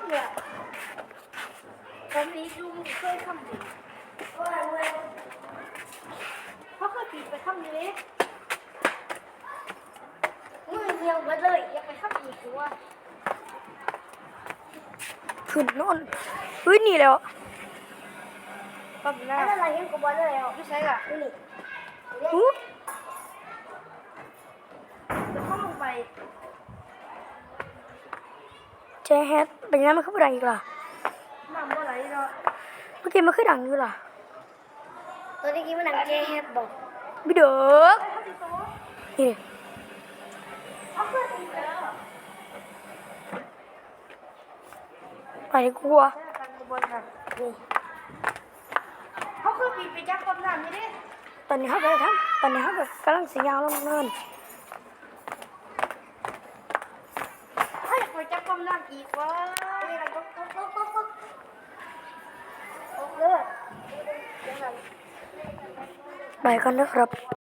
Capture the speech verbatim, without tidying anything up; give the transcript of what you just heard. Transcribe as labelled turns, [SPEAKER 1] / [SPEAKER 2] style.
[SPEAKER 1] เนี่ยผมนี้ดูเคยทำดิเขาเคยปีนไปทำนี้มือเดียวมาเลยยังไปทำอีกหรือว่า
[SPEAKER 2] ขึ้นโน่นเฮ้ยนี่แล้ว
[SPEAKER 1] ปั๊บหน้าอะไรยังกูบอกเลยอ่ะไม่ใช่อ่ะนี่
[SPEAKER 2] อู้
[SPEAKER 1] เดี๋ยวเข้าลงไป
[SPEAKER 2] เจแฮทเป็นยังไงมันขึ้นดังอีกล่ะ
[SPEAKER 1] น้ำบ่ไหลเนาะ
[SPEAKER 2] เมื่อกี้มันขึ้นดังอยู่ล่ะ
[SPEAKER 1] ตัวนี้กี้มันหนังเจแฮทบอก
[SPEAKER 2] บิดเด้อนี่ไปกลัว
[SPEAKER 1] เขาคือปีไปจับกับน้ำนี่ดิ
[SPEAKER 2] ตอนนี้เขาไปทำตอนนี้เขาแบบกำลังสียาวลงเนิน
[SPEAKER 1] ให้ไปจับกับน้ำอีกวะนี่เราก็ก็ก็ก็ก็เลือด
[SPEAKER 2] ไปกันนะครับ